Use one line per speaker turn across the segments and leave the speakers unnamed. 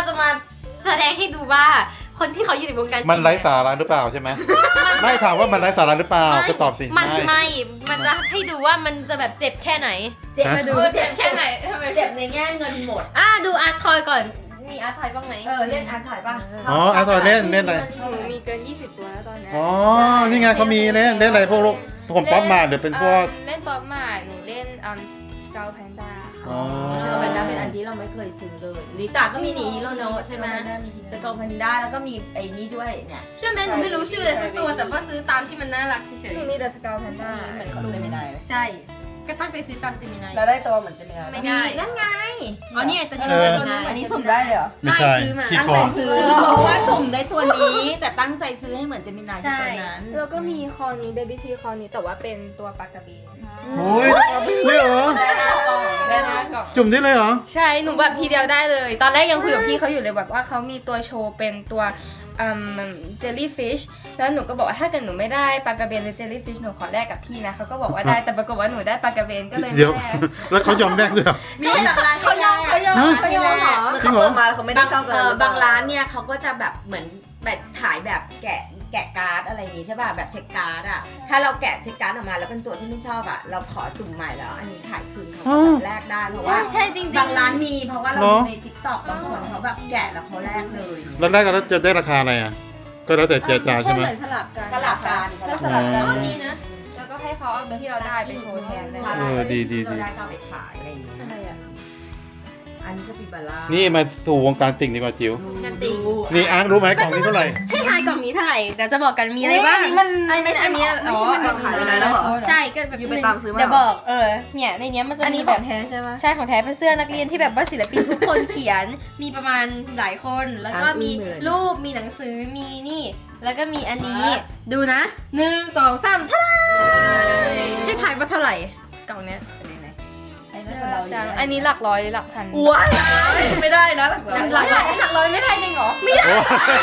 จะมาแสดงให้ดูว่าคนที่เขาอยู่ในวงการ
มันไร้สาระหรือเปล่าใช่ไหมไม่ถามว่ามันไร้สาระหรือเปล่าก็ตอบสิ
มันมันจะให้ดูว่ามันจะแบบเจ็บแค่ไหน
เจ็บ
มาดูเจ็บแค่ไหนทำไม
เจ็บในแง่เงินหมด
ดูอาร์ตทอยก่อนมีอาร์ตทอยบ้างไหม
เล่นอาร์ตถ่ายป่ะ
อ๋ออาร์ตทอยเล่นอะไร
หนูมีเกิน20ตัวแล้วตอนนี้
อ๋อนี่ไงเขามีเล่นอะไรพวกลูกผมป๊อปมาเดี๋ยวเป็นพวก
เล่นป๊อปมาหนูเล่นสเกลแพนด้า
อ๋อ
สกอร์แพนด้าเป็นอันที่เราไม่เคยซื้อเลยลิตาก็มีหนีโลโนใช่ไหมสกอร์แพนด้าแล้วก็มีไอ้นี่ด้วยเนี่ย
ใช่ไหมหนูไม่รู้ชื่อเลยสักตัวแต่ว่าซื้อตามที่มันน่ารักเฉย
หนูมีแต่สเกลแพนด้า
เหมือนของเจมินาย
ๆใช่ก็ตั้งใจซื้อตามเจมินาย
แล้วได้ตัวเหมือนเจมินาย
ไม่ได้
นั่นไง
อ๋อนี่ไงตัวนี้
เออ
เจมินาย
อันนี้สุ่มได้เลยเหรอ
ไม่ใช่
ซื้อมา
ขี้
ตั้ง
โก
ใจ
ง
ซื้อเพราะว่าสุ่มได้ตัวนี้ แต่ตั้งใจซื้อให้เหมือนเจมินายที่ตัวนั้น
แล้วก็มีคอนี้เบบี้ทีคอนี้แต่ว่าเป็นตัวปากกระเบน
โอ้ยเลยเหรอ
ได้หน้ากล่องได้หน้ากล่อง
จุ่มได้เลยเหรอ
ใช่หนูแบบทีเดียวได้เลย ตอนแรกยังคุยกับพี่เขาอยู่เลยแบบว่าเขามีตัวโชว์เป็นตัวเจลลี่ฟิชแล้วหนูก็บอกว่าถ้าเกิดหนูไม่ได้ปลากระเบนหรือเจลลี่ฟิชหนูขอแลกกับพี่นะเขาก็บอกว่าได้แต่ปรากฏว่าหนูได้ปลากระเบนก็เลย
เดี๋ยว
ไม่แลก
แล้วเขายอมแลกด้วยเหรอ
มีบางร้าน
เขายอมเขายอม
ฮะ
เขายอมเหรอ
เหมือนเขาเปิดมาแล้วเขาไม่ได้ชอบกัน
บางร้านเนี่ยเขาก็จะแบบเหมือนแบบขายแบบแกะการ์ดอะไรอย่างงี้ใช่ป่ะแบบเช็คการ์ดอ่ะถ้าเราแกะเช็คการ์ดออกมาแล้วเป็นตัวที่ไม่ชอบอ่ะเราขอจุ่มใหม่แล้วอันนี้ขายคืนเขาก็แบบแลกได้เพราะ
ใช่
ว่า
ใช่จริงๆ
บางร้านมีเพราะว่าเรา
เหรอ
ดูในติ๊กต็อกบางคนเขาแบบแกะแล้วเขาแลกเลย
แล้วแรกกันแล้วจะได้ราคาอะไรอ่ะ ก็แล้วแต่เจรจาใช่ไหม
แค่เหมือนสลับกัน
สลับกัน
ถ้าสลับกัน
อ๋อดีนะ
แล้วก็ให้เขาเอาตัวที่เราได้ไปโชว์แทนได้
ใช่
เออดีดี
เราได้ก็เอาไปขายอะไรอย่างเงี้ย
อะไรอ่ะ
อันนี้ก็ปิบาร่า
นี่มาสู่วงการติ่งดีกว่าจิ๋ว
กันติ่ง
นี่อาร์ตรู้ไหมกล่องนี้เท่าไหร่
ให้ทายกล่องนี้เท่าไหร่เดี๋ยวจะบอกกันมีอะไรบ้าง
ไม่ใช่ไม่ใช่มันขายไปแล้วเหรอ
ใช่ก็แบบ
อยู่ไปตามซื้อมา
เดี๋ยวบอกเนี่ยในเนี้ยมันจะ
อันนี้
มี
ข
แบ
อบ งแท้ใช่ปะ
ใช่ของแท้เป็นเสื้อนักเรียนที่แบบว่าศิลปินทุกคนเขียน มีประมาณหลายคนแล้วก็มีรูปมีหนังสือมีนี่ แล้วก็มีอันนี้ดูนะ1 2 3ท่าให้ทายว่าเท่าไหร่กล่องเนี้ย
อันนี้หลักร้อยหลักพัน
ว้าย
ไม่ได้นะหลักร้อย
หลักร้อยไม่ได้จริงเหรอไม่ได้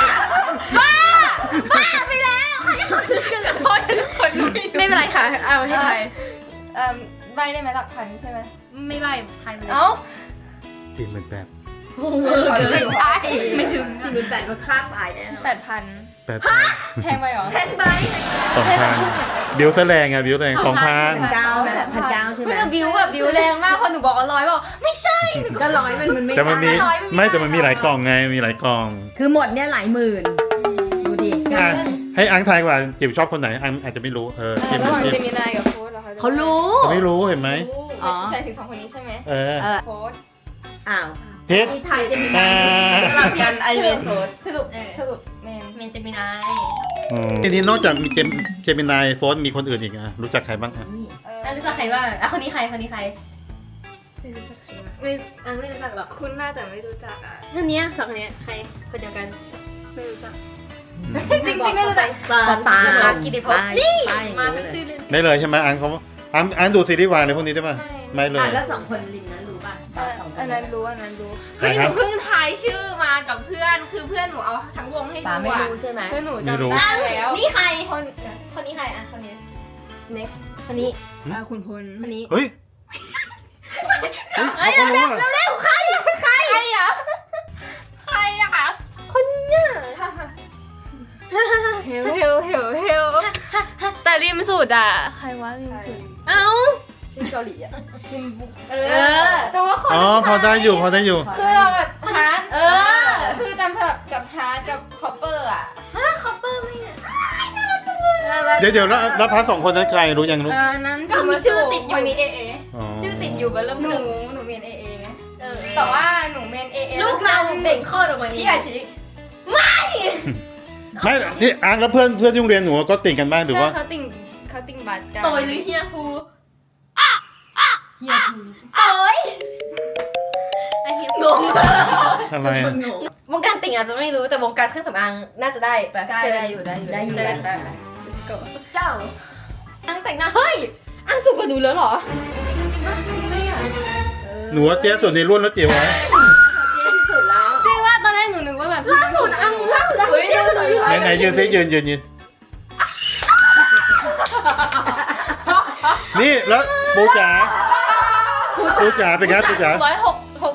บ้าไปแล้วใครจะขอซื้อกันเลย
คนไม่
ไม่เป็นไรค่ะเอาให้ทาย
ใบได้ไหมหลักพันใช่ไหม
ไม่ไล่ทายมาเลย
เอ้า
กินเหมือนแบบ
ใช่ไม่ถึง
48รถค่าตายแน่นอน
8,000
แบบ
แพงไปเหรอ
แพงไป
2,000บิวแสลงอ่ะบิวแสลง2,000
เก้าแบบ1,900ใช่ไหม
เพื่อบิวแบบบิวแรงมากพอหนูบอกว่าร้อยบอกไม่ใช่
ก็ร้อยมันไม่
แต่มันมี
ได้
ไม่แต่มันมีหลายกล่องไงมีหลายกล่อง
คือหมดเนี่ยหลายหมื่นดูดิ
อ่ะให้อังทายว่าจิ๋วชอบคนไหนอังอาจจะไม่รู้จิ้ม
ระหว่าง
จิ้
เจ
ม
มินายกับโค้ดเหรอคะ
เขารู้
ไม่รู้เห็นไหม
อ๋อ
ใช่ถึง2คนนี้ใช่ไหม
เออ
โค้ด
อ้าว
เพชร
นี่ไทยจะมี
อ่า
สลับกันไอเวนโพส
สรุปเมน
เมนเจมินาย
ทีนี้นอกจากมีเจมินายโฟนมีคนอื่นอีกอ่ะรู้จักใครบ้างอ่ะ
รู้จักใครบ้างคนนี้ใครคนนี้ใคร
ไม่รู้จักชัวร์
ไม่รู้จักหรอก
คุณน่าแต่ไม่รู้จักอ่ะ
คนนี้สองคนนี้ใครคนเดียวกัน
ไม่รู้จัก
จริงๆไม่รู้จัก
สตาร์
กิติพจน์นี่มาทั้งชื่อเล่น
ได้เลยใช่ไหมอังเขาอังดูซีรีส์วายอะไรพวกนี้ใช่ป่ะไม่เลย
แล้วสองคนริมนั้นรู้ป่ะสองค
อั
น
นนั้นรู้อันนั้นรู้
เฮ้ยหนูเพิ่งทายชื่อมากับเพื่อนคือเพื่อนหนูเอาทั้งวงให้
ตา
ดู
ไม่
อ่ะ
รู้ใช่ไหม
คือหนูจำได้แล้ว
นี่ใครคนนี้ใครอ่ะคนนี้
เน็ก
คนนี้
คุณพล
คนนี้
เฮ้ยเขาก็รู้อ่ะ
ใครอ่ะใครอ่ะคะคนนี้อ่ะ
เฮลแต่ริมสุดอ่ะใครวะริมสุด
เอ้า
ชื่อเกาหลีอ่ะ
เออ
แต่ว่าคน
อ๋อพอได้อยู่พอได้อยู่
คือเราแบบฮาร์ด
อ
คือจำสลับกับฮาร์ดกับคอปเปอร์อ่ะ
คอปเปอร์ไม่เนี่ย
เดี๋ยวแล้วพาร์ท2 คนนั้นใครรู้ยังรู้
นั้น
ก็มีชื่อติดอยู่
คนนี้เอ
อ๋อ
ชื่อติดอยู่บนเริ่ม
หนู
ตึก
หนูเมนเอไง
เออ
แต่ว่าหนูเมนเอ
ลูกเราเบ่งคลอดออกมา
พี่อาชิ
ไม่นี่อังแล้วเพื่อนที่โรงเรียนหนูก็ติ่งกันบ้างหรือว่า
เขาติ่งบัตรกัน
โตยหรือเฮียฮูเฮียฮูโตยไอเฮียงง
อะไรอะ
วงการติ่งอาจจะไม่รู้แต่วงการเครื่องสำอางน่าจะได้แบบ
ได้อยู่ได้อยู่
เชิญ
ได้
เจ้า
อังแต่งหน้าเฮ้ยอังสูงกว่าหนูแล้วเหรอจริงปะจริงปะเนี่ย
หนูว่าเตี้ยสุดในรุ่นแล้วจิ๋วอะ
ที่สุดแล้ว
จริงว่าตอนแรกหนูนึกว่าแบบ
ล่าสุดอังล่าสุดเดียวสวยอยู่
ไหนยืนซิยืนนี่แล้วปูจ๋าเป็นไงปูจ๋า
160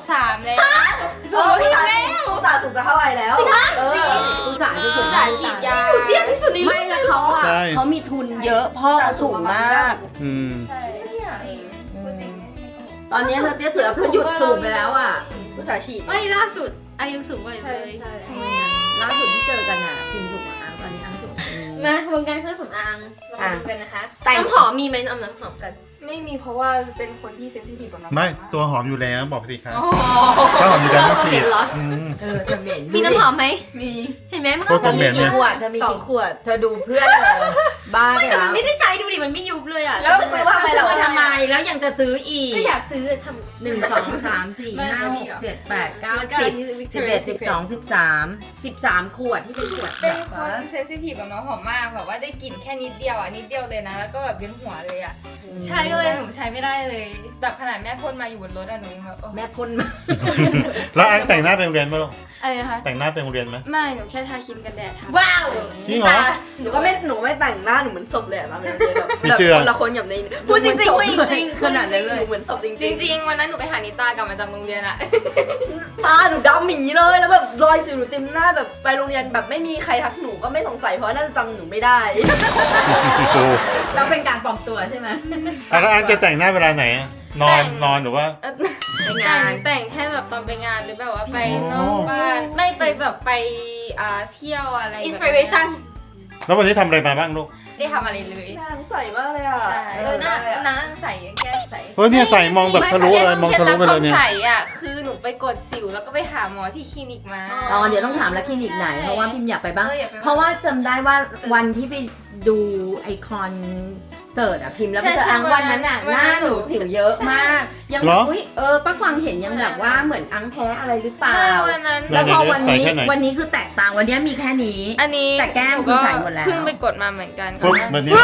3แล้ว
สูงพี่แล้วจ่าสูงจะเท่าไหร่แล้วเออ
กูจ่ายจะสุด
จ่ายฉีดยา
เตี้ยที่สุดในโล
ไม่
ก
แล้วเขาอ่ะ
ใช่
เขามีทุนเยอะพ่อเขาสูงมาก
อืม
ใช่จริงพูดจริงไม่ได้โกหก
ตอนนี้เธอเตี้ยสุดแล้วคือหยุดสูงไปแล้วอ่ะผู้ชายฉีด
เอ้ยล่าสุดอายุสูงกว่าอยู่เลย
ล่าสุดที่เจอกันอ่ะพิมสูงกว่าอังตอนนี้อังสูง
มาวงการเครื่องสำอางเรามาดูกันนะคะ
แต่ง
น้ำหอมมีไหมเอาน้ำหอมกัน
ไม่มีเพราะว่าเป็นคนที่เซนซิทีฟกับน้ำ
ไม่
าก
ตัวหอมอยู่แล้วบอกไปสิครับ
อ๋อ
ถ้าหอมอยู่แล้ว
เรา
ต้องฉี
เห็
ด
นเหรอ
อืม
จะเหม็น
มีน้ำหอมไหม
มี
เห็นไหมมัน
โคตร
ก็
เหม็น
กี่ขวดเธอมี
2
กี่
ขวด
เธอดูเพื่อนเลยบ้าไป
ไม่แต่
แล้
มัน
ว
ไม่ได้ใช้ดูดิมันไม่ยุบเลยอ่ะ
แล้วไปซื้อมา
ซื้อมาทำไมแล้วยังจะซื้ออีก
ก็อยากซื้อทำ
1 2 3 4 5 6 7 8 9 10 11 12 13 ขวดที่เป็นขวด
เป็นคนเซนซิทีฟกับน้ำหอมมากแบบว่าได้กลิ่นแค่นิดเดียวอ่ะนิดเดียวเลยนะ แล้วก็แบบเวียนหัวเลยอ่ะใช่ก็เลยหนูใช้ไม่ได้เลย แบบขนาดแม่พ่นมาอยู่บนรถอะหนูยังแบบโอ้
แม่พ่นมา
แล้วอังแต่งหน้าไปโรงเรียนไหมลูก
อะไรนะคะ
แต่งหน้าไปโรงเรียนไหม
ไม่หนูแค่ทาครีมกันแดดทา
ว้าว
จริงเหรอ
หนูก็ไม่แต่งหน้าหนูเหมือนศพเลยอะตอนนั้นแบบ
ไม่เชื่อ
คนละคนแบบในพูดจริงๆไม่จริง
ขนาดนั้นเลย
หนูเหมือนศพจ
จ
ริง
ริงๆวันนั้นหนูไปหานิตากลับมาจากโรงเรียนอะ
ๆตาหนูดำอย่างนี้เลยแล้วแบบรอยสิวหนูเต็มหน้าแบบไปโรงเรียนแบบไม่มีใครทักหนูก็ไม่สงสัยเพราะน่าจะจำหนูไม่ได้
โอ้
แล้วเป็นการปลอมตัวใช่ไหม
แล้วอังจะแต่งหน้าเวลาไหนอะนอนหรือว่า
ใน
แต่
งาง น
แต่งแค่แบบตอนไปงานหรือแบบว่าไปนอกบ้านไม่ไปแบบไปเที่ยวอะไรแบบ
อินสปิเรชัน
แล้ววันนี้ทำอะไรมาบ้างลูก
ได้ทำอะไรเลย
หน้าใสมากเลยอ่ะ
ใช่
หน้าใส่แก้มใส่
เฮ้ยเนี่ยใส่มองแบบทะลุเลยมองทะลุไปเลยเนี่ย
ใส่อะคือหนูไปกดสิวแล้วก็ไปหาหมอที่คลินิกมา
อ๋อเดี๋ยวต้องถามแล้วคลินิกไหน
ใช่
เพราะว่าพิมอยากไปบ้าง
อยากไปบ้าง
เพราะว่าจำได้ว่าวันที่ไปดูไอคอนเสิร์ตอะพิมพ์แล้วไปเจออังวันนั้นอะหน้าหนูสิวเยอะมาก ยังแบบอุ้ยป้ากวางเห็นยังแบบว่าเหมือนอังแพ้อะไรหรือเปล่า
วันนั้น
แล้วพอวันนี้
ใส่แค่ไหน
วันนี้คือแตกต่างวันนี้มีแค่นี้
อันนี้
แต่แก้มคือใส่หมดแล้ว
เพิ่งไปกดมาเหมือนกัน
ปุ๊บแบบนี้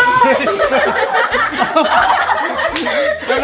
อะไร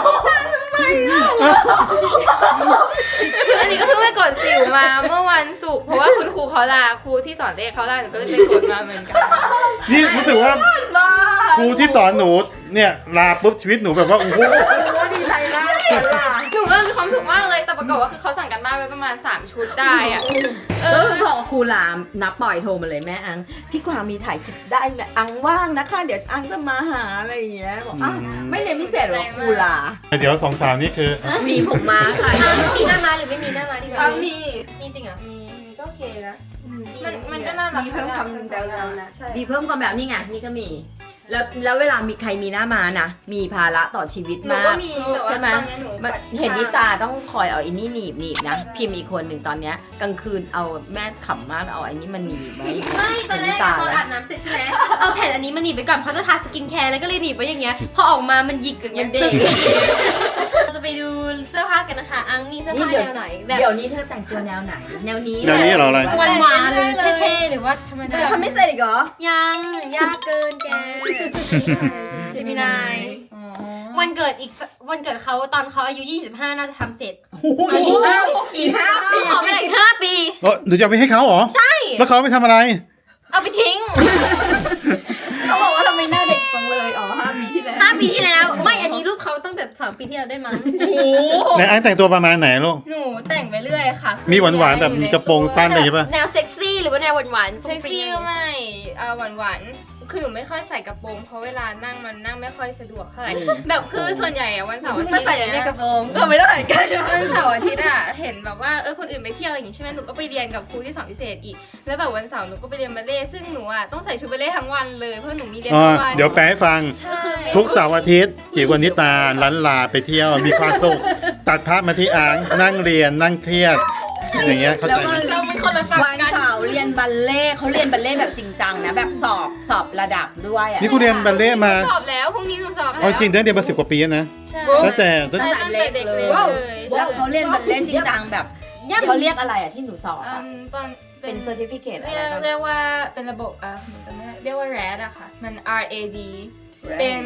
คืออันนี้ก็เพิ่งไปกดสิวมาเมื่อวันศุกร์เพราะว่าคุณครูเขาลาครูที่สอนเลขเขาลาหนูก็เลยไปกดมาเหมือนกัน
นี่รู้สึกว่าครูที่สอนหนูเนี่ยลาปุ๊บชีวิตหนูแบบว่าโอ้โห
ดีใจมากเลยล่ะ
หนูก็มีความสุขมากเลยแต่ปรากฏว่าคือเขาสั่งกันบ้านไว้ประมาณ3ชุดได้อะ
แล้วคือพอครูลามนับปล่อยโทรมาเลยแม่อัง พี่กวางมีถ่ายคลิปได้ไหมอังว่างนะคะ เดี๋ยวอังจะมาหาอะไรอย่างเงี้ยบอกอ้าวไม่เรียนพิเศษหรอครูลา
เดี๋ยวสองสาวนี่คือ
มีผมมาค่ะ
มีหน้ามาหรือไม่มีหน้ามาดีกว่า
อังมี
มีจริงเหรอ
มีก็โอเคนะ
มั
มันก็น่ารัก
มีเพิ่มคำยาวๆนะใช่
มีเพิ่มความแบบนี่ไงนี่ก็มี แล้วเวลามีใครมีหน้ามานะมีภาระต่อชีวิต
หนู
มา
ก็
ก
มีแต่ว่า
ใช่ไหม
ตอนนี้หนู
มันเห็นนิตาต้องคอยเอาไอ้นี่หนีบนะพิมพ์อีกคนหนึ่งตอนเนี้ยกลางคืนเอาแม่ขำมากเอาไอ้นี่มันหนีบไว้
ไม่ตอนแรกอะตอนอาบน้ำเสร็จใช่ไหมเอาแผ่นอันนี้มาหนีบไปก่อนเพราะจะทาสกินแคร์แล้วก็เลยหนีบไว้อย่างเงี้ยพอออกมามันหยิกอย่างเงี้ยตึงเราจะไปดูเสื้อผ้ากันนะคะอังมีเสื้อผ้าแนวไหนแบบ
เดี๋ยวนี้เธอแต่งตัวแนวไหน แนวนี้
แนวนี้เหรออะไร
หวานๆหรือเท่ๆหรือว่าธรรมดา
ทำไม่เสร็จอีกเหรอ
ยังยากเกินแกเจมินาย วันเกิดวันเกิดเขาตอนเขาอายุ 25 น่าจะทำเสร็จ
อีกห้าปี
ขอไปอีก5 ปี
หนูจะเอาไปให้เขาเหรอ ใช่ แล้วเขาไปทำอะไร
เอาไปทิ้ง
เขาบอกว่าทำไมหน้าเด็กจังเลยอ๋อ5 ปีที่แล้ว
5 ปีที่แล้ว ไม่อันนี้รูปเขาตั้งแต่2 ปีที่แล้วได้มั้ง
ในอันแต่งตัวประมาณไหนลูก
หนูแต่งไปเรื่อยค่ะคือ
มีหวานๆแบบมีกระโปรงสั้นอะไรอย่างเงี้ยป่ะ
แนวเซ็กซี่หรือว่าแนวหวานๆ
เซ็กซี่ก็ไม่หวานๆคือหนูไม่ค่อยใส่กระโปรงเพราะเวลานั่งมันนั่งไม่ค่อยสะดวกเท่าไหร่แบบคือส่วนใหญ่อะวันเสาร์อาทิตย์
มาใส่อย่างนี้กระโปรงก็ไม่ได้เหมือนกัน
วันเสาร์อาทิตย์อะเห็นแบบว่าคนอื่นไปเที่ยวอะไรอย่างงี้ใช่ไหมหนูก็ไปเรียนกับครูที่สอนพิเศษอีก แล้วแบบวันเสาร์หนูก็ไปเรียนบัลเล่ต์ซึ่งหนูอะต้องใส่ชุดบัลเล่ต์ทั้งวันเลยเพราะหนูมีเรียน
อ๋อ
ทั้งวัน
เดี๋ยวแปลให้ฟัง
ใช่
ทุกเสาร์อาทิตย์จิ๋วกับนิตาลันลาไปเที่ยวมีความสุขตัดภาพมาที่อังนั่งเรียนนั่งเครียด อย่างเงี้ยเข้าใจไหม
เราเป็นคนละฝั่ง
วัน
กัน
เสาร์เรียนบัลเล่ต์เขาเรียนบัลเล่ต์แบบจริงจังนะแบบสอบระดับด้วยอะ
นี่กูเรียนบัลเล่ต์มา
สอบแล้วพรุ่งนี้หนูสอบแล้ว
เอาจริงได้เรียนมา10 กว่าปีแล้วนะ
ใช่
ตั้งแต่
ใช่ตั้งแต่เด็กเลย
แล้วเขาเรียนบัลเล่ต์จริงจังแบบเขาเรียกอะไรอะที่หนูสอบอะ
ตอน
เป็นเซอร์ติฟิเคตอะไร
เรียกว่าเป็นระบบหนูจำไม่ได้เรียกว่า RAD อะค่ะมัน RAD เป็น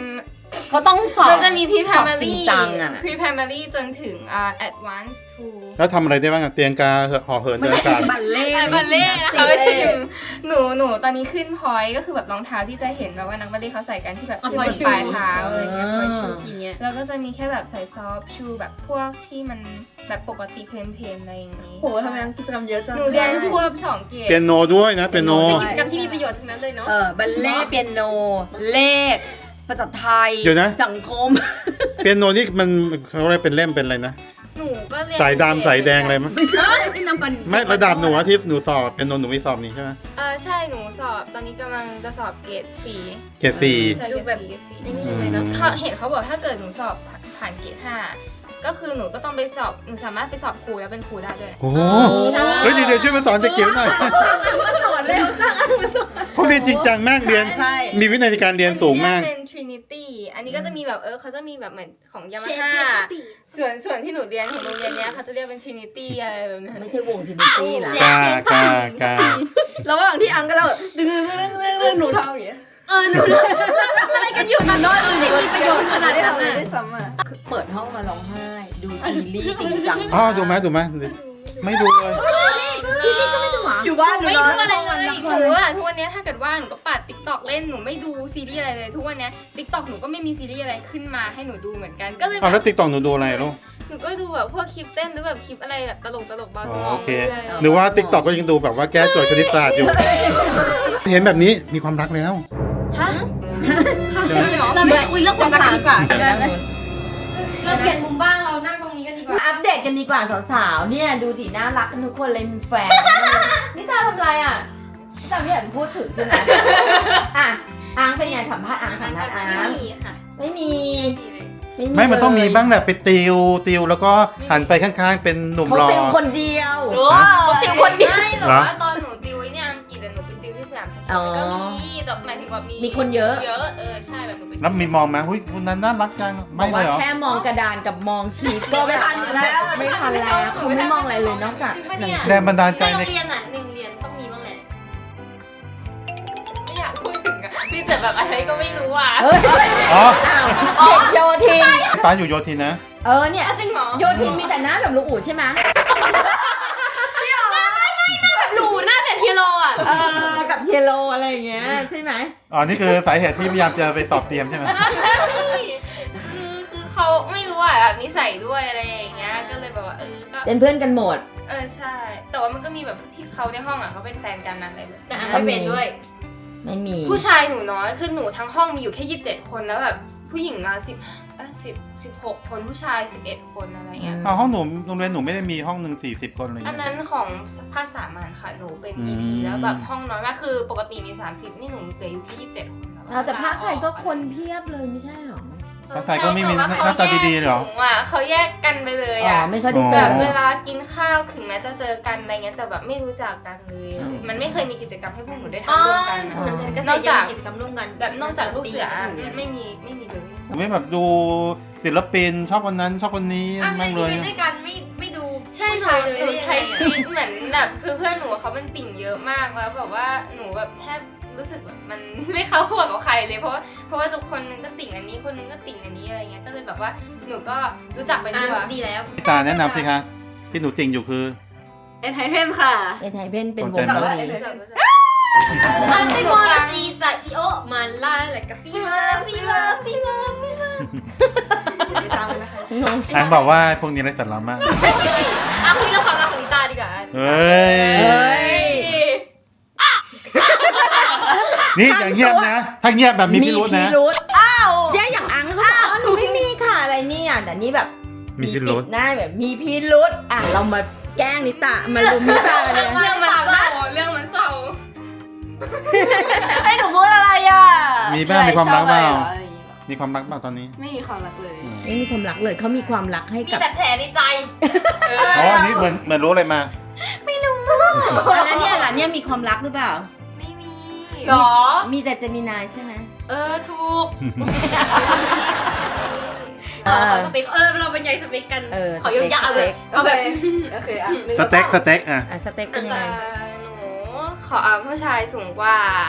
เขาต้องสอบ
มันจะมี pre
สอบจริง
primary
จังอะ
pre primary จนถึงadvanced to
แล้วทำอะไรได้บ้างอะเตียงกาห่อเหินเดินอากาศ
บัลเล่ต์
แต่บัลเล่ต์นะคะไม่ใช่หนูตอนนี้ขึ้นพอยต์ก็คือแบบรองเท้าที่จะเห็นแบบว่านักบัลเล่ต์เขาใส่กันที่แบบขึ้นบนปลายเท้าอะไรเงี้ยพอยชูอย่างเงี้ยแล้วก็จะมีแค่แบบใส่ซอฟชูแบบพวกที่มันแบบปกติเพลนๆอะไรอย่างงี้
โหทำไมกิจกรรมเยอะจัง
หนูเรียนควบ2 เกรด
เปียโนด้วยนะเปียโน
เป็นกิจกรรมที่มีประโยชน์ทั้งนั้นเลยเนาะ
บัลเล่ต์เปียโน เลข ภาษาไทย
เดี๋ยวนะ
สังคม
เปียโนนี่มันเขาเรียกเป็นเล่มเป็นอะไรนะ
หนูก็เรียน
สายดำสายแดงอะไรมั้ย
ไม่ใช่น้ำมัน
ไม่ระดับหนูอะที่หนูสอบเปียโนหนูมีสอบนี่ใช่ไหม
ใช่หนูสอบตอนนี้กำลังจะสอบเกรด 4
เกรดสี่
ใช่เกรด 4
เลยเนอะ
เขาเห็นเขาบอกถ้าเกิดหนูสอบผ่านเกรด 5 ก็คือหนูก็ต้องไปสอบหนูสามารถไปสอบครูแล้วเป็นครูได้ด้วย
โอ้โหเฮ้ยเดี๋ยวช่วยมาสอนเด็กเกียวหน่อย
สอนเร็วจังมาสอน
เขาเรียนจริงจังมากเรียน
ใช่
มีวินัยในการเรียนสูงมาก
อันนี้เป็น Trinity อันนี้ก็จะมีแบบเขาจะมีแบบเหมือนของ Yamaha ส่วนที่หนูเรียนของโรงเรียนเนี้ยเขาจะเรียกเป็น Trinity อะไรแบบนั้น
ไม่ใช่วงทินิตี้นะ
กา
ระหว่างที่อังก็เราแบบดึงหนูทำอย่างเงี้ย
หนูอะไรกันอยู่ตอนน้อยไม่มีประโยชน์ขนาดนั้น
ไม่
อะ
ได้ซ้ำอ่ะ
เปิดห้องมาร้องไห้ ดูซีรีส์จริงจัง
อ๋อดูไหมไม่ดูเลย
อยู่บ้าน
ไม่
น
ดู
อน
อะไร
ห้อง
เล
วัน
ย
นัก
หนูอะทุกวันเนี้ยถ้าเกิดว่าหนูก็ปัด TikTok เล่นหนูไม่ดูซีรีส์อะไรเลยทุกวันเนี้ย TikTok หนูก็ไม่มีซีรีส์อะไรขึ้นมาให้หนูดูเหมือนกันก็เลย
อ๋อแล้วติ๊กต็อกหนูดูอะไรลูก
หนูก็ดูแบบพวกคลิปเต้นหรือแบบคลิปอะไรแบบตลกเบาสมอง
โอเค
รื่อยๆ
หรือว่าติ๊กต็อกก็ยังดูแบบว่าแก้โจทย์คณิตศาสตร์อยู่ เห็นแบบนี้มีความรักแล้ว
ฮะ
ใช่ไหม
เราไม่คุยเรื่องความรักกันดีกว่า
เดี๋ยวนะ
เราเปลี่ยนมุมบ้างเรานั่งตรงนี้กันดีกว่า
อัปเดตกันดีกว่าสาวๆ เนี่ยดูดิน่ารักกันทุกคนเลยมีแฟน นี่ตาทำไรอ่ะนี่ตาไม่อยากพูดถึงใช่ไหมอ่ะอังเป็นไงสัมภาษณ์อังสัมภาษณ์อัง
ไม่มีค่ะ
ไม่มี
ไม่มันต้องมี
เลย
บ้างแหละไปติวแล้วก็หันไปข้างๆเป็นหนุ่ม
เขา
หล่อ
ติวคนเดียว
เขาติวคนเดียวไม่หรอก
เหรอ
ว่าตอนหนูติวไอ้เนี่ยอังกฤษอะหนูเป็นติวที่สยามสแควร์ก็มีแต่หมายถึงว่ามี
มีคนเยอะ
ใช่แบบหนูเป็น
แล้วมีมองไหมหุ้ยคนนั้นน่ารักจัง
บ
ไม่
อก
เล
ว่าย
เหรอ
แค่มองกระดานกับมองชีตก็
ไม่ทันอยู่แล้ว
ไม่ทันแล้วเขาไม่มองอะไรเลยนอกจาก
จริงปะ
หนั
เนี่
ง
ย
สือ
แรงบันดาลใจ
ในโร
ใน
งเรียนอ่ะหนึ่งเรียนต้องมีบ้างแหละ
ไม่อยากพูดถึงอะมีแต่แบบอะไรก็ไม่รู้อ่ะ
เฮ้ย
อ๋อ
อ้าวเด็กโยทิน
ป้าอยู่โยธินนะ
เนี่ย
จริงเหรอ
โยทินมีแต่หน้าแบบลูกอู๋ใช่ไหม
แบบหลูหน้าแบบเฮียโรอ่ะ
กับเทโลอะไรอย่างเงี้ยใช่ไหม
อ๋อ นี่คือสาเหตุที่พยายามจะไปสอบเตรียมใช่ไหม
คือเขาไม่รู้อ่ะแบบนิสัยด้วยอะไรอย่างเงี้ยก็เลยแบบว่าก็
เป็นเพื่อนกันหมด
ใช่ แต่ว่ามันก็มีแบบที่เขาในห้องอ่ะเขาเป็นแฟนกันนั่นเลย
แต่อันไม่เป็นด้วย
ไม่มี
ผู้ชายหนูน้อยคือหนูทั้งห้องมีอยู่แค่27 คนแล้วแบบผู้หญิงอ่ะ16 คนผู้ชาย11 คนอะไรเงี้ย
อ๋อห้องหนูโรงเรียนหนูไม่ได้มีห้องหนึ่ง40 คนอะไรอย่าง
อัน
เงี้ย
นั้นของภาคสามัญค่ะหนูเป็น EP แล้วแบบห้องน้อยมากคือปกติมี30นี่หนูเหลืออยู่แค่27 คนแล้ว
แต่ภาคไทยก็คนเพียบเลยไม่ใช่หรอ
ภาษาไทยก็ไม่มีหน้าตาดีๆเหรอ
หนูอ่ะเขาแยกกันไปเลย
อ๋อ
อ่ะ
ไม่ค่อยได้เจ
แบ
อ
บเวลากินข้าวถึงแม้จะเจอกันอะไรเงี้ยแต่แบบไม่รู้จักกันเลย มันไม่เคยมีกิจกรรมให้พวกหนูได้ทำร่วมกัน
อ๋อ
มันก็
นอกจาก
กิจกรรมร่วมกัน
แบบนอกจากลูกเสือไม่มีเลย
หนูไม่แบบดูศิลปินชอบคนนั้นชอบคนนี้
อ่ะ
มากเลย
ด้วยกันไม่ดู
ใช่หนูใช้ชีวิตเหมือนแบบคือเพื่อนหนูเขาเป็นติ่งเยอะมากแล้วแบบว่าหนูแบบแทบรู้สึกแบบมันไม่เข้าหัวกับใครเลยเพราะว่าทุกคนนึงก็ติ่งอันนี้คนนึงก็ติ่งอันนี้อะไรเงี้ยก็เลยแบบว่าหนูก็รู้จักไปทั่ว
ดีแล้ว
พี่ตาแนะนำสิคะ ที่หนูจริงอยู่คือ
เอ็นไทเพนค่ะ
เอไทยเป็นวง
สนใจ
เกา
ไหม
หลี
รู้จัก
อันที่มอร์ซีจะอีโอมาล่าอะไรกับฟีเวอร์
ไปตามเลยนะคะ
อันบอกว่าพวกนี้ไร้สาระมาก
คุยเรื่องความรักของนิตาดีกว่า
เฮ้ย นี่อย่างเงียบนะ ถ้าเงียบแบบมีพิรุธนะ
อ้าวแย่อย่างอังเขาบอกหนูไม่มีค่ะอะไรเนี่ยแต่นี่แบบ
มีพิรุธ
ปิดหน้าแบบมีพิรุธเรามาแกล้งนิตามาลุมนิตาเนี่ย
เรื่องมันเศร้าเรื่องมันเศร้า
ให้หนูพูดอะไรอ่ะ
มีบ้างมีความรักเปล่า
อะไรอย่างเงี้ยเหรอ
มีความรักเปล่าตอนนี้
ไม่มีความรักเลย
ไม่มีความรักเลยเขามีความรักให้
มี
กับ
แต่แผลในใจ
อ๋อ อันนี้เหมือนรู้อะไรมา
แล้วเนี่ยล่ะเนี่ยมีความรักหรือเปล่า
ไม่มี
หรอ
มีแต่เจมินายใช่ไหม
ถูก
เออ
สเปคเราเป็นใหญ่สเปคกัน ขอ
สเปค
ยาวๆเลย
โอเคโอเคอ่ะหนึ่ง
สเต็กอ่ะ
สเต็กเป็นยังไง
หนูขอผู้ชายสูงกว่า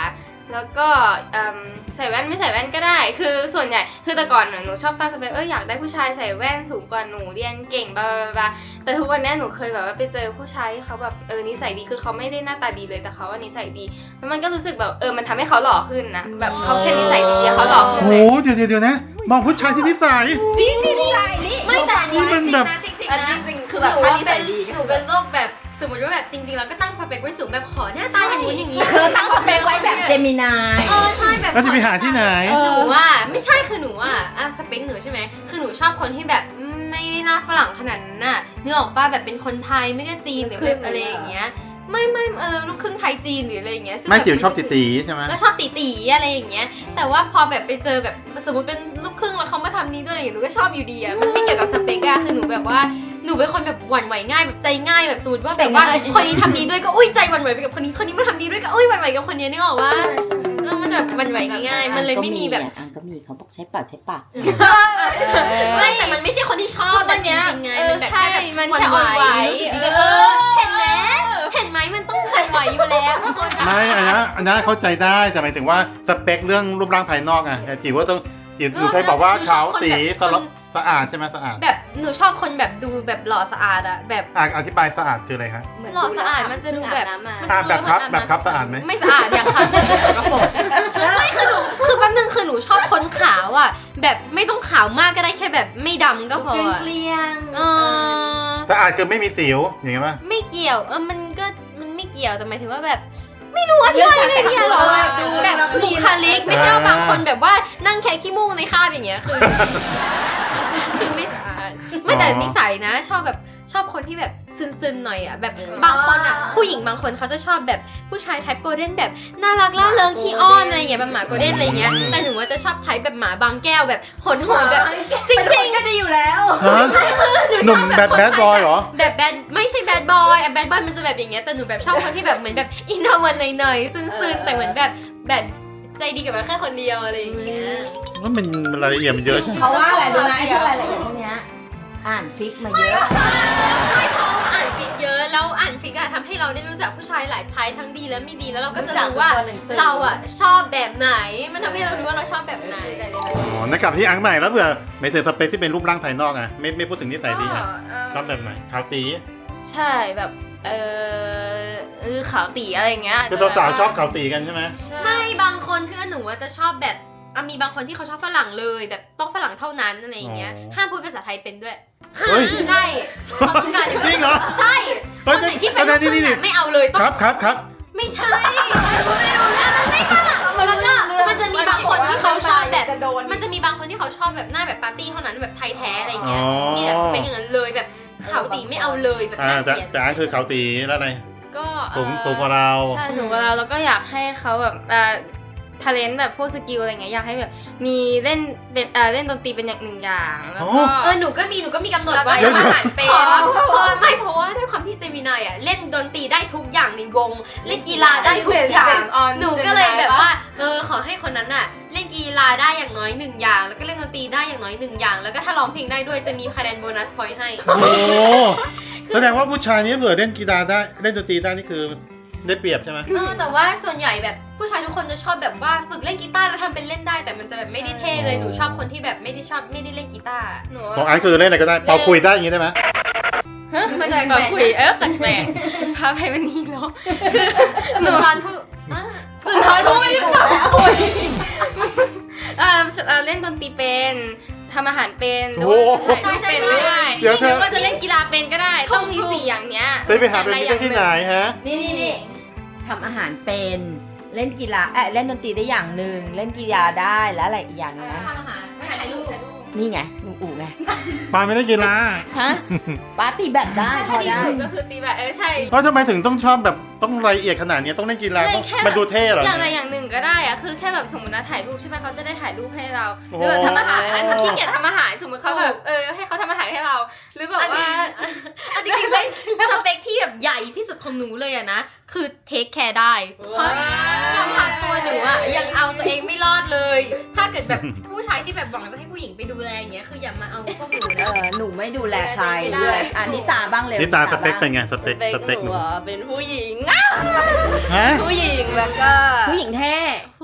แล้วก็ใส่แว่นไม่ใส่แว่นก็ได้คือส่วนใหญ่คือแต่ก่อนหนูชอบตั้งสเปคอยากได้ผู้ชายใส่แว่นสูงกว่าหนูเรียนเก่งบลาบลาแต่ทุกวันนี้หนูเคยแบบว่าไปเจอผู้ชายที่เขาแบบนิสัยดีคือเขาไม่ได้หน้าตาดีเลยแต่เขาว่านิสัยดีแล้วมันก็รู้สึกแบบมันทำให้เขาหล่อขึ้นนะแบบเขาแค่นิสัยดีเขาหล่อขึ้น
โอ้
เล
โห
ย
เดี๋ยวนะมองผู้ชายที่นิสัย
ไม่แต่อันนี้
มัน
จริง
แบบ
นะจริง
อัน
ๆ
นี้
นะ
จริงๆคือแบบ
หนู
ถ้า
ว่า
นิ
เป็
สั
น
ยดี
หนูเป็นโรคแบบสมมติว่าแบบจริงๆเราก็ตั้งสเปคไว้สูงแบบขอหน้าตาอย่างนู้นอย่างนี้
เธอตั้งสเปคไว้แบบเจมินาย
ใช่แบบ
แล้วจะไปหาที่ไหน
หนูว่าไม่ใช่คือหนูว่าสเปคหนูใช่ไหมคือหนูชอบคนที่แบบไม่ได้หน้าฝรั่งขนาดนั้นน่ะนึกออกป่ะแบบเป็นคนไทยไม่ก็จีนหรือแบบอะไรอย่างเงี้ยไม่ลูกครึ่งไทยจีนหรืออะไรอย่างเงี้ยซึ่ง
ไม่
แบบ
จิ๋วชอบตีๆใช่ไหม
ก็ชอบตีๆอะไรอย่างเงี้ยแต่ว่าพอแบบไปเจอแบบสมมติเป็นลูกครึ่งแล้วเขามาทำนี้ด้วยอย่างเงี้ยหนูก็ชอบอยู่ดีอะมันไม่เกี่ยวกับสเปกอะคือหนูแบบว่าหนูเป็นคนแบบหวั่นไหวง่ายแบบใจง่ายแบบสมมติว่าแบบว่าคนนี้ทำดีด้วยก็อุ้ยใจหวั่นไหวไปกับคนนี้มาทำดีด้วยก็อุ้ยหวั่นไหวกับคนนี้นึกออกว่ามันจะแบบหวั่นไหวง่ายๆมันเลยไม่มีแบบ
อังก็มีเขาบอกใช้ปาก
ไม่แต่มันไม่ใช่คนที่ชอบแบบจริงๆไงมันแบบ
ใช่
แค่
มัน
หวั่
แค่
นไหว
อ่อนไหว
รู้สึกดีก็เห็นไหมมันต้องหวั่นไหวอยู่แล้วทุกคน
ไม่อันนั้นเข้าใจได้แต่หมายถึงว่าสเปคเรื่องรูปร่างภายนอกแต่จิ๋วว่าต้องจิ๋วเคยบอกว่าขาวตีสะอาดใช่ไหมสะอาด
แบบหนูชอบคนแบบดูแบบหล่อสะอาดอะแบบ
อธิบายสะอาดคืออะไรคะ
หล่อสะอาดมันจะดูแบบ
แบบครับสะอาดไหม
ไม่สะอาดอย่างครับแบบสกปรกไม่คือแป๊บนึงคือหนูชอบคนขาวอ่ะแบบไม่ต้องขาวมากก็ได้แค่แบบไม่ดำก็พออะ
เกลี้ยง
สะอาดคือไม่มีสิวอย่างเงี้ยป่ะ
ไม่เกี่ยวมันไม่เกี่ยวแต่หมายถึงว่าแบบไม่รู้อธิบายอะไรเนี่ยหรอแบบบุคลิกไม่ใช่ว่าบางคนแบบว่านั่งแค่ขี้มูกในคราบอย่างเงี้ยคือไม่สะอาดไม่แต่นิสัยนะชอบคนที่แบบซึนๆหน่อยอ่ะแบบบางคนอ่ะผู้หญิงบางคนเขาจะชอบแบบผู้ชายไทป์โกลเด้นแบบน่ารักล่าเริงขี้อ้อนอะไรอย่างเงี้ยแบบหมาโกลเด้นอะไรอย่างเงี้ยแต่หนูว่าจะชอบไทป์แบบหมาบางแก้วแบบโหดๆแบบจริงๆ
ก็ดีอยู่แล้ว
ฮะหนุ่มแบดบอยเหรอ
แบบแบดไม่ใช่แบดบอยแบดบอยมันจะแบบอย่างเงี้ยแต่หนูแบบชอบคนที่แบบเหมือนแบบอินโทรเวิร์ตหน่อยๆซึนๆแต่เหมือนแบบใจดีกับเราแค่คนเดียวอะไรอย่างเงี้ย
ว่ามันรายละเอียดมันเยอะใช่ไหม
เพราะว่าอะไรรู้ไหมไอ้พวกรายละเอียดพวกเนี้ยอ่านฟิกมาเยอะ
อ่านฟิกเยอะแล้วอ่านฟิกอะทำให้เราได้รู้จักผู้ชายหลายไทป์ทั้งดีและไม่ดีแล้วเราก็จะรู้ว่าเราอะชอบแบบไหนมันทำให้เรารู้ว่าเราชอบแบบไหน
อ๋อในกลับที่อังใหม่แล้วเผื่อไม่ถึงสเปคที่เป็นรูปร่างภายนอกไม่พูดถึงนิสัยดีชอบแบบไหนขาวตี
ใช่แบบขาวตีอะไรอย่างเงี้ย
คือสาวๆชอบขาวตีกันใช่ไหม
ใช่
ไม่บางคนเพื่อนหนูว่าจะชอบแบบมีบางคนที่เขาชอบฝรั่งเลยแบบต้องฝรั่งเท่านั้นอะไรอย่างเงี้ยห้ามพูดภาษาไทยเป็นด้วย
เฮ้ย
ใช่เขาต้องการ
จริงเหรอ
ใช่คนไหนที่เป็นลูกครึ่งอะไม่เอาเลยต้อง
ครับ
ไม่ใช่ไม่ฝรั่งแล้วก็มันจะมีบางคนที่เขาชอบแบบมันจะมีบางคนที่เขาชอบแบบหน้าแบบปาร์ตี้เท่านั้นแบบไทยแท้อะไรอย่างเงี้ยมีแบบสเปคอย่างนั้นเลยแบบขาวตีไม่เอาเลยแบบน่าเกลียด
แต่อังคือขาวตีแล้วอะไร
ก็
สูงกว่าเรา
ใช่สูงกว่าเราแล้วก็อยากให้เขาแบบทาเลนต์แบบพวกสกิลอะไรเงี้ยอยากให้แบบมีเล่นเป็นเล่นดนตรีเป็นอย่างหนึ่งอย่างแล้วก็
หนูก็มีกำหนด
แล้วก็
ไว้
ทำอาหารเป็น
ไม่เพราะว่าด้วยความที่เจมินายอ่ะเล่นดนตรีได้ทุกอย่างในวงเล่นกีฬาได้ทุกอย่างหนูก็เลยแบบว่าขอให้คนนั้นอ่ะเล่นกีฬาได้อย่างน้อยหนึ่งอย่างแล้วก็เล่นดนตรีได้อย่างน้อยหนึ่งอย่างแล้วก็ถ้าร้องเพลงได้ด้วยจะมีคะแนนโบนัสพอยต์ให้
โอ้แสดงว่าผู้ชายนี้เผื่อเล่นกีฬาได้เล่นดนตรีได้นี่คือได้เปรียบใช่ไหม
แต่ว่าส่วนใหญ่แบบผู้ชายทุกคนจะชอบแบบว่าฝึกเล่นกีตาร์แล้วทำเป็นเล่นได้แต่มันจะแบบไม่ได้เท่เลยหนูชอบคนที่แบบไม่ได้เล่นกีตาร์
หนู
ของอังคือเล่นอะไรก็ได้เป่าคุยได้อย่างงี้ได้ไหม
มาจากแบบคุยแปลกๆพาไปวันนี้เหรอคือหนู สุนทรภู่ไม่ได้บอกเล่นดนตรีเป็นทำอาหารเป็นหรือว่าถ่ายรูปเป็นก็ได้
เดี๋ยวเธ
ห
อ
รือว่าจะเล่นกีฬาเป็นก็ได้ต้องมี4อย่างเนี้ย
ไปหาเป็นที่ไหนฮะ
นี่ทำอาหารเป็นเล่นกีฬาเล่นดนตรีได้อย่างหนึ่งเล่นกีฬาได้แล้วอะไรอีกอย่างนะ
ทำอาหารถ่ายรูป
นี่ไงลุงอู๋ไง
ปาไม่ได้กีฬา
ฮะปาร์ตี้แบบได้พ
ถ้า
อ
ดี
ได้
สุดก็คือตีแบบใช่
เพราะทำไมถึงต้องชอบแบบต้องรายละเอียดขนาดนี้ต้องเล่นกีฬาต้องมันดูเท่เหรอ
อย่างใดอย่างหนึ่งก็ได้อะคือแค่แบบสมมตินะถ่ายรูปใช่ไหมเขาจะได้ถ่ายรูปให้เราหรือแบบทำอาหารหนูขี้เกียจทำอาหารสมมติเขาแบบให้เขาทำอาหารให้เรา หรือแบบว่า
จริงๆสเปคที่แบบใหญ่ที่สุดของหนูเลยอะนะคือเทคแคร์ได้เพราะลำพังตัวหนูอะยังเอาตัวเองไม่รอดเลย ถ้าเกิดแบบผู้ชายที่แบบหวังจะให้ผู้หญิงไปดูแลอย่างเงี้ยคืออย่ามาเอาพวกหนูนะ
หนูไม่ดูแลใคร
ไม่ได้
ดูแลนิตาบ้างเร็ว
นี่ตาสเปคเป็นไงสเปค
ห
หนู
นูเป็นผู้หญิง
ฮะ
ผู้หญิงแล้วก็
ผู้หญิงแท้
ผู้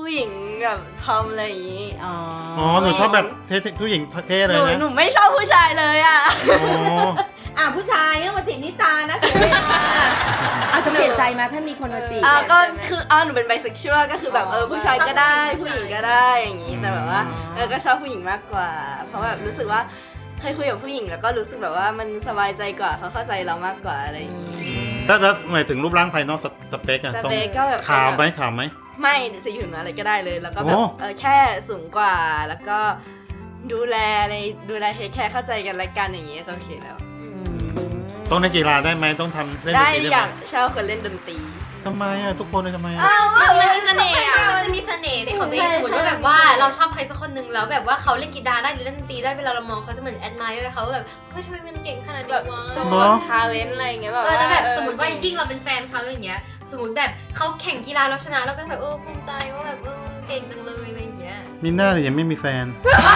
ผู้หญิงแบบทอมอะไรอย่างงี้
อ๋อ
อ๋อหนูชอบแบบเท่ผู้หญิงเท่เลยนะ
หนูไม่ชอบผู้ชายเลยอ่ะ
อ๋อ
ผู้ชายไม่ต้องมาจีบนิตานะเสียเวลาเอาจะเปลี่ยนใจมาถ้ามีคนมาจีบ
ก็คือหนูเป็นไบเซ็กชวลก็คือแบบผู้ชายก็ได้ผู้หญิงก็ได้อย่างงี้แต่แบบว่าก็ชอบผู้หญิงมากกว่า เพราะแบบรู้สึกว่าเคยคุยกับผู้หญิงแล้วก็รู้สึกแบบว่ามันสบายใจกว่าเขาเข้าใจเรามากกว่าอะไรอย่างงี้
แล้วหมายถึงรูปร่างภายนอกสเปคอะ
ส
ต้อง
เปคก็แบบ
ขาวไหมขาวไหม
ไม่สีผิวอะไรก็ได้เลย แล้วก็แบบ
โอ้
แค่สูงกว่าแล้วก็ดูแลเทคแคร์เข้าใจกันและกันอย่างงี้ก็โอเคแล้ว
ต้องเล่นกีฬาได้ไหมต้องทำเล่นด
ได้
นตรี
อ
ได้
ยาก
ไหม
ชอบคนเล่นดนตรี
ทำไมอะทุกคนเลยทำไมอะ
มันมีเสน่ห์อ่ะมันจะมีเสน่ห์ในของตัวเองสมมติว่าแบบว่าเราชอบใครสักคนหนึ่งแล้วแบบว่าเขาเล่นกีตาร์ได้หรือเล่นดนตรีได้เวลาเรามองเขาจะเหมือน admire เขาแบบเฮ้ยทำไมมันเก่งขนาด
แบ
นี้
บ
วะ
โซ่ทาเลนต์อะไรอย่างเงี้ยแบบ
แล้วแบบสมมติว่ายิ่งเราเป็นแฟนเขาอย่างเงี้ยสมมติแบบเขาแข่งกีฬาเราชนะเราก็แบบภูมิใจว่าแบบเก่งจังเลยอะไรอย่างเงี้ย
มีหน้าแต่ยังไม่มีแฟน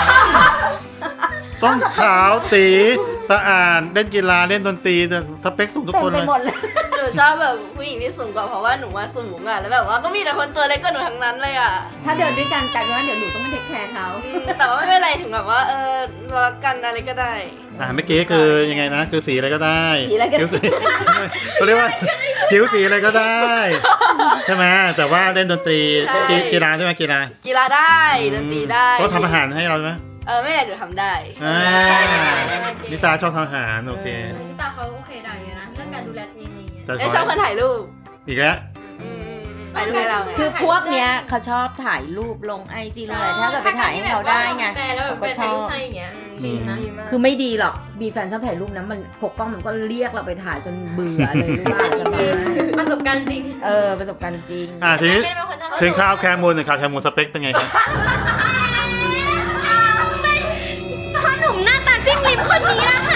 ต้องขาวตีสะอาดเล่นกีฬาเล่นดนตรีแต่สเปคสูงทุก
เต็ม
คน
ไป
เลย
หมดเลย
หนูชอบแบบผู้หญิงที่สูงกว่าเพราะว่าหนูว่าสูงอ่ะแล้วแบบว่าก็มีแต่คนตัวเล็กกว่าหนูทั้งนั้นเลยอ่ะ
ถ้าเดินด้วยกันกลายเป็นว่าเดี๋ยวหนูต้องมาเทคแคร์เขา
แต่ว่าไม่เป็นไรถึงแบบว่ารักกันอะไรก็ได้
เมื่อกี้คือยังไงนะคือสีอะไรก็ได้
สีอะไรกัน
ผิวสีเขาเรียกว่าผิวสีอะไรก็ได้ใช่ไหมแต่ว่าเล่นดนตรี
ใช่
กีฬาใช่ไหมกีฬา
กีฬาได้ดนตรีได้
ก็ทำอาหารให้เราไหม
ไม่ได้หนูทำได้
นิตาชอบทำอาหารโอเค
พี่ตาเขาโอเคได้เลยนะเรื่องการดูแลตัวเองอะไรอย่างเงี้ย
แต่
แล้วชอบคนถ่ายรูป
อีกแล้ว
ถ่ายรูปให้เราไง
คือพวกเนี้ยเขาชอบถ่ายรูปลงไอจีเลยถ้าเกิดไปถ่ายให้เขาได้ไง
แต่แล้วแบบไปถ่ายรูปให้อย่างเงี้ยฟินนะ
คือไม่ดีหรอก มีแฟนชอบถ่ายรูปนะมันปกป้องมันก็เรียกเราไปถ่ายจนเบื่อเลยหรือเปล่าจะมา
ประสบการณ์จริง
ประสบการณ์จริง
ทีนี้
แม่เป็นคนชอบ
ถึงข้าวแคมูลหนึ่งข้าวแคมูลสเปคเป็นไงครับ
พ่อหนุ่มหน้าตาจิ้มลิมคนนี้นะคะ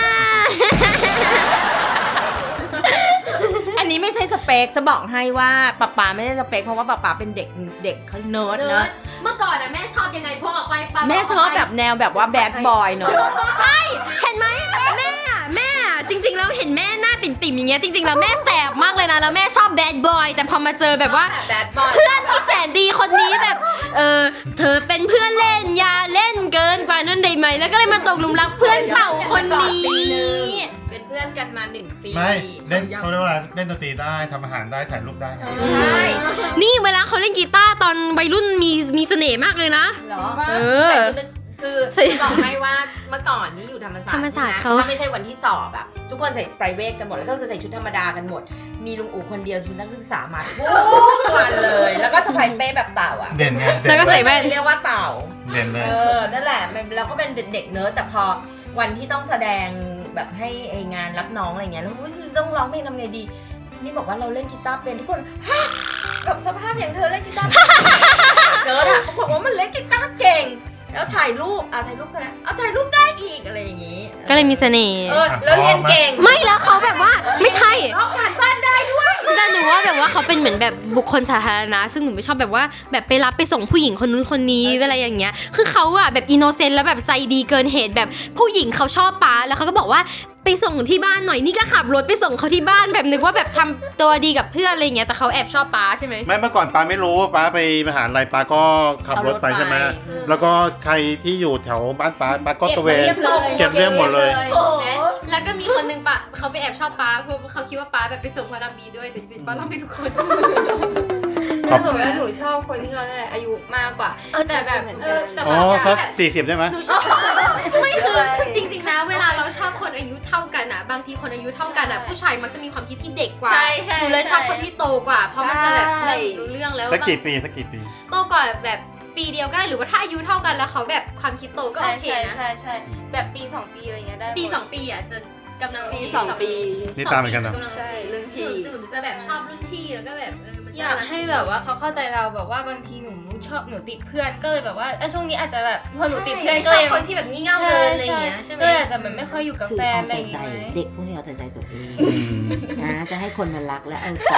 อันนี้ไม่ใช่สเปคจะบอกให้ว่าป๊าไม่ได้สเปคเพราะว่าป๊าเป็นเด็กเขาเนิร์ดเนอะ
เมื่อก่อนอะแม่ชอบยังไงพวกออกไปปา
แม่ชอบแบบแนวแบบว่าแบดบอยเนอะ
ใช่เห็นไหมแม่จริงๆแล้วเห็นแม่หน้าติ่มๆอย่างเงี้ยจริงๆแล้วแม่แสบมากเลยนะแล้วแม่ชอบแบดบอยแต่พอมาเจอแบบว่า
แบดบอย
เพื่อนที่แสนดีคนนี้แบบเธอเป็นเพื่อนเล่นอย่าเล่นเกินกว่านั้นได้ไหมแล้วก็เลยมาตกหลุมรักเพื่อนเต่าคนนี้
เป็นเพื่อนกันมา1 ปี
ไม่เล่นเขาเรียกว่าอะไรเล่นดนตรีได้ทำอาหารได้ถ่ายรูปได้
ใช่
นี่เวลาเขาเล่นกีตาร์ตอนวัยรุ่นมีเสน่ห์มากเลยนะ
เหรอ
เออ
คือจะบอกให้ว่าเมื่อก่อนนี้อยู่ธรรมศาสตร์
ธรรมศาสตร์
ใช่
เขา
ไหมถ้าไม่ใช่วันที่สอบอะทุกคนใส่ไพรเวทกันหมดแล้วก็คือใส่ชุดธรรมดากันหมด มีลุงอู๋คนเดียวชุดนักศึกษามาทุกวันเลย แล้วก็สะพายเป้แบบเต่าอะ
เด่นไง
แล้วก็ใส่แว่น
เรียกว่าเต่า
เด่นเลย
นั่นแหละเราก็เป็นเด็กเนิร์ดแต่พอวันที่ต้องแสดงแบบให้ไองานรับน้องอะไรเงี้ยแล้วต้องร้องเพลงทำไงดี นี่บอกว่าเราเล่นกีตาร์เป็นทุกคนฮะแบบสภาพอย่างเธอเล่นกีตาร์เป็นเนิร์ดอะบอกว่ามันเล่นกีตาร์เก่ง แล้วถ่ายรูปถ่ายรูปกันนะถ่ายรูปได้อีกอะไรอย่างงี้
ก็เลยมีเสน่ห์
แล้วเรียนเก่ง
ไม่แล้วเขาแบบว่าไม่ใช่
ลอกการบ้านได้ด้วย
แต่หนูว่าแบบว่าเขาเป็นเหมือนแบบบุคคลสาธารณะซึ่งหนูไม่ชอบแบบว่าแบบไปรับไปส่งผู้หญิงคนนู้นคนนี้อะไรอย่างเงี้ยคือเขาอะแบบอินโนเซนต์แล้วแบบใจดีเกินเหตุแบบผู้หญิงเขาชอบป้าแล้วเขาก็บอกว่าไปส่งที่บ้านหน่อยนี่ก็ขับรถไปส่งเขาที่บ้านแบบนึกว่าแบบทำตัวดีกับเพื่อนอะไรอย่างเงี้ยแต่เขาแอบชอบป้าใช่ไหม
ไม่เมื่อก่อนป้าไม่รู้ป้าไปมหาลัยป้าก็ขับรถไปใช่ไหมแล้วก็ใครที่อยู่แถวบ้านป้าก็ตระเวน เก็บเรียบหมดเลย
แล้วก็มีคนนึงปะเขาไปแอบชอบป้าเพราะเขาคิดว่าป้าแบบไปส่งพระดำดีด้วยแต่จริงๆป้าเล่าให้ทุกคน
หนูว่าหนูชอบคนที่เขาเนี่ยอายุมากกว่าแต่แบบแต่
อ๋
บา
อง
อย่าง
เขา
แบบ
40ได้ไหม
หนูชอบไม่คือจริงๆนะเวลาเราชอบคนอายุเท่ากันอ่ะบางทีคนอายุเท่ากันอ่ะผู้ชายมักจะมีความคิดที่เด็กกว่า
ใช่ใช่
หนูเลยชอบคนที่โตกว่า เพราะมันจะแบบรู้เรื่องแล้ว
สักกี่ปี
โตกว่าแบบปีเดียวก็ได้หรือว่าถ้าอายุเท่ากันแล้วเขาแบบความคิดโตก็
ใช่
โอเค
ใช่
นะ
ใช่แบบปี2 ปีอะไรเงี้ยได้
ปี
หมด
2 ปีอ่ะจะกำลัง
ปี2 ปี
นี่ตามเหมือนกันนะ
ใช่รุ่น
ห
พี่
นูจะแบบชอบรุ่นพี่แล้วก็แบบมัน
อยากให้แบบว่าเขาเข้าใจเราแบบว่าบางทีหนูติดเพื่อนก็เลยแบบว่าช่วงนี้อาจจะแบบพอหนูติดเพื่อนก็
ช
เล
อบ
ย
คนที่แบบงี่เง่าเกินอะไรอย่างเงี้ยใช่ไหม
ก็เลยอาจจะแบบไม่ค่อยอยู่กับ
คือ
แฟน
เอา
อะไรอ
แต่
ย่าง
ใจ
งี้ไหม
เด็กพวกนี้เอาแต่ใจตัวเองนะจะให้คนมารักและเอาใจ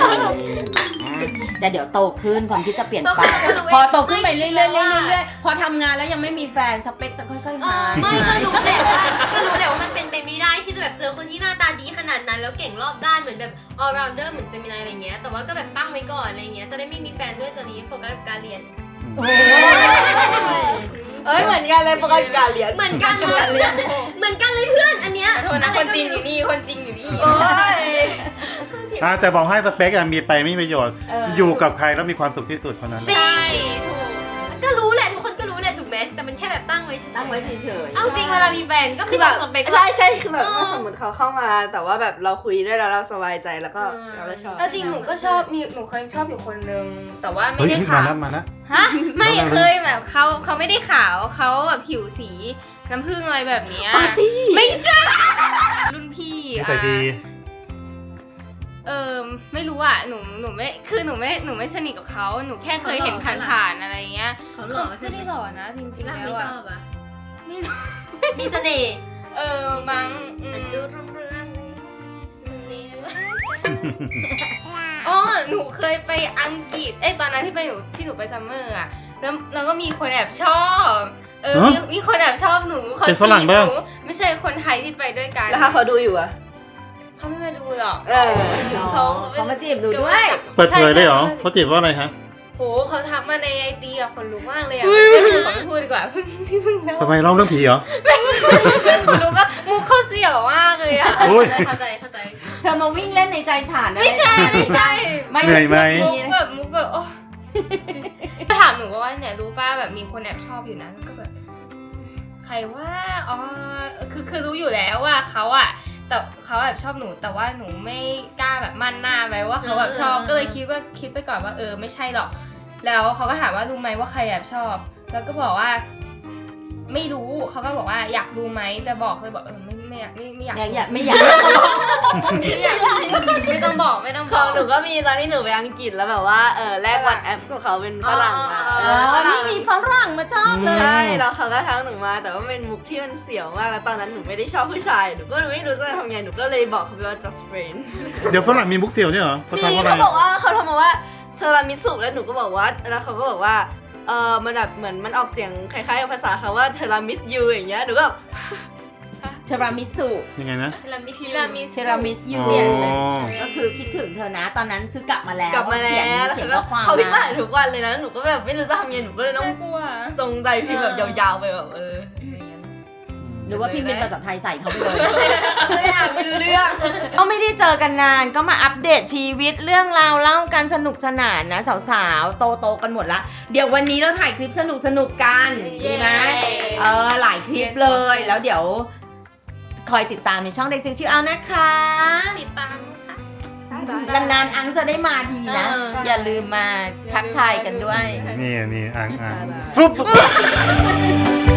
แต่เดี๋ยวโตขึ้นความคิดจะเปลี่ยนไปพอโตขึ้นไปเรื่อยๆเรื่อยๆพอทำงานแล้วยังไม่มีแฟนสเปคจะค่อยๆหาย
ไม่ก็รู้แหละว่ามันเป็นไปไม่ได้ที่จะแบบเจอคนที่หน้าตาดีขนาดนั้นแล้วเก่งรอบด้านเหมือนแบบ all rounder เหมือนเจมินายอะไรเงี้ยแต่ว่าก็แบบตั้งไว้ก่อนอะไรเงี้ยจะได้ไม่มีแฟนด้วยตอนนี้โฟกัสกับการเรียน
เอ้ยเหมือนกันเลยโฟกัสกับการเรียน
เหมือนกันเลยเหมือนกันเลยเพื่อนอันเนี้ย
ขอโทษนะคนจริงอยู่นี่คนจริงอยู่นี่
โอ้ย
แต่บอกให้สเปคอะมีไปไม่มีประโยชน์ อยู่กับใครแล้วมีความสุขที่สุดคนนั้น
ใช่ถูก
ก็รู้แหละทุกคนก็รู้แหละถูกไหมแต่มันแค่แบบตั้งไว้เฉยๆ
ตั้งไว้เฉยๆ
เอาจริงเวลามีแฟนก็
คื
คือ อ
แบ
แบบ บสเปค
ใช่คือแบบถ้าสมมติเขาเข้ามา แต่ว่าแบบเราคุยด้วยแล้วเราสบายใจแล้วก็เราก็ชอบ
แล้วจริงหนูก็ชอบหนูเคยชอบอยู่คนนึงแต่ว่าไม่
เฮ้ย
ได้
มา
ขาว
แล้วมาแล้ว
ฮะไม่เคยแบบเขาไม่ได้ขาวเขาแบบผิวสีน้ำผึ้งอะไรแบบเนี้ยไม่ใช่รุ่นพี่
นิสัยดี
ไม่รู้อ่ะหนูไม่สนิทกับเขาหนูแค่เคยเห็นผ่านๆอะไรเงี้ย
เขาหล่อใช่
ไม่
ไหม
ได้หล่อนะจริงๆ
ร่าง
แล้
ไม่
ว
ช
อะ
อบอ่ะ
ไม่รู้
มีเสน่ห์
บาง
ดูรุ่งเรืองเสน่ห์
อ๋อหนูเคยไปอังกฤษตอนนั้นที่หนูไปซัมเมอร์อ่ะแล้วก็มีคนแอบชอบมีคนแอบชอบหนูเขา
เป็นฝรั่ง
จีบ
บ้าง
หนูไม่ใช่คนไทยที่ไปด้วยกัน
แล้วถ้าเขาดูอยู่อะ
เขาไม่มาดูหรอก
เขามาจีบหนูด้วย
เปิดเผยได้เหรอ
ใช่
เขาจีบว่าอะไรฮะ
โหเขาทักมาในไอจีอะคนรู้มากเลยอะไม่พูดขอไม่พูดดีกว่าเพิ่งเล่า
ทำไมเล่าเรื่องผีเหรอ
คนรู้ก็มุกเขาเสี่ยวมากเลยอะ
โอ้ย
เข้าใจ
เธอมาวิ่งเล่นในใจฉัน
ไม่ใช่
ไม่
เหนื่อยไหม
มุกแบบโอ้ถามหนูว่าเนี่ยรู้ป้าแบบมีคนแอบชอบอยู่นะก็แบบใครว่าอ๋อคือรู้อยู่แล้วว่าเขาอะแต่เขาแอบชอบหนูแต่ว่าหนูไม่กล้าแบบมั่นหน้าไว้ว่าเขาแบบชอบก็เลยคิดไปก่อนว่าไม่ใช่หรอกแล้วเขาก็ถามว่ารู้ไหมว่าใครแอบชอบ แล้วก็บอกว่า ไม่รู้เขาก็บอกว่าอยากรู้ไหมจะบอกเลยบอกไม่อยากไม่อยาก
ไม่อยาก
ไม่ต้องบอก
ของหนูก็มีตอนที่หนูไปอังกฤษแล้วแบบว่าแลกวันแอปกับเขาเป็นฝรั่งอะ
นี่มีฝรั่งมาชอบเลย
ใช่แล้วเขาก็ทักหนูมาแต่ว่าเป็นมุกที่มันเสียวมากแล้วตอนนั้นหนูไม่ได้ชอบผู้ชายหนูก็ไม่รู้จะทำไงหนูก็เลยบอกเขาไปว่า just friend
เดี๋ยวฝรั่งมีมุกเสี่ยวเนี่ยเหรอเขา
นี่
ทำว่าอะไร
เขาบอกว่าเขาทำมาว่าเทอรามิสุแล้วหนูก็บอกว่าแล้วเขาก็บอกว่ามันแบบเหมือนมันออกเสียงคล้ายๆกับภาษาเขาว่าเทอรามิสยูอย่างเงี้ยหนูก็แบบ
เทรามิสุ
ยังไงนะ
เทรามิส
เทรามิสยู
อ๋อ
ก็คือคิดถึงเธอนะ ตอนนั้นคือกลับมาแล้ว
กลับมาแล้วแล้ว
เขียน
ก็
ข้อความ
เขาพิมพ์มาหาทุกวันเลยนะหนูก็แบบไม่รู้จะทำยังไงหนูก็เลยต้อง
น่ากลัว
จงใจพิมพ์แบบยาวๆไปแบบอย่างเงี้ย
หรือว่าพี่เป็นภาษาไทยใส่เขาไปเลย
ไม่อ่านไม่รู้เรื่อง
ก็ไม่ได้เจอกันนานก็มาอัปเดตชีวิตเรื่องราวเล่ากันสนุกสนานนะสาวๆโตๆกันหมดละเดี๋ยววันนี้เราถ่ายคลิปสนุกๆกันดีไหมหลายคลิปเลยแล้วเดี๋ยวคอยติดตามในช่องเด็กจิ๋วชิวเอานะคะ
ติดตามค่ะ
นานๆอังจะได้มาทีนะ อย่าลืมมาทักทายกันด้วย
นี่อ่างฟลุ๊บ